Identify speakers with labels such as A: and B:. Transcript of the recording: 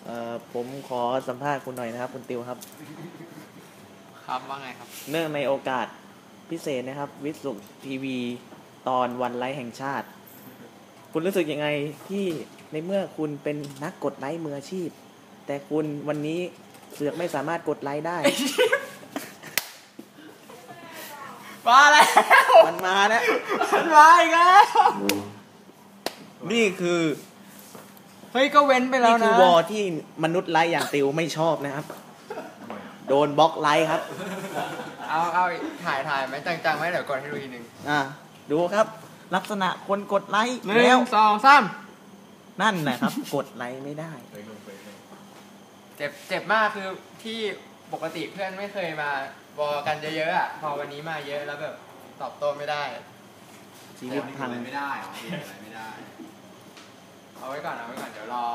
A: ผมขอสัมภาษณ์คุณหน่อยนะครับคุณติวครับ
B: ครับว่าไงครับ
A: เนื่องในโอกาสพิเศษนะครับวิสุทีวีตอนวันไลฟ์แห่งชาติคุณรู้สึกยังไงที่ในเมื่อคุณเป็นนักกดไลค์มืออาชีพแต่คุณวันนี้เสือกไม่สามารถกดไลค์ได้
B: มาแล้ว
A: มันมาแล้ว
B: มันมาอีกแล้ว
A: นี่คือ
B: เฮ้ยก็เว้นไปแล้วนะ
A: นี่คือวอที่มนุษย์ไลค์อย่างติวไม่ชอบนะครับโดนบล็อกไลค์ครับ
B: เอาถ่ายไหมจังๆไหมเดี๋ยวกดให้ดูอีกนึง
A: ดูครับลักษณะคนกดไลค์
B: แล้ว1 2 3
A: นั่นแหละครับกดไลค์ไม่ได้
B: เจ็บมากคือที่ปกติเพื่อนไม่เคยมาบอกกันเยอะๆอ่ะพอวันนี้มาเยอะแล้วแบบตอบโต้ไม่ได้
A: ชีวิตพัง
C: ไม่ได้อะไรไม่ได้
B: เอาไว้ก่อนเดี๋ยวรอ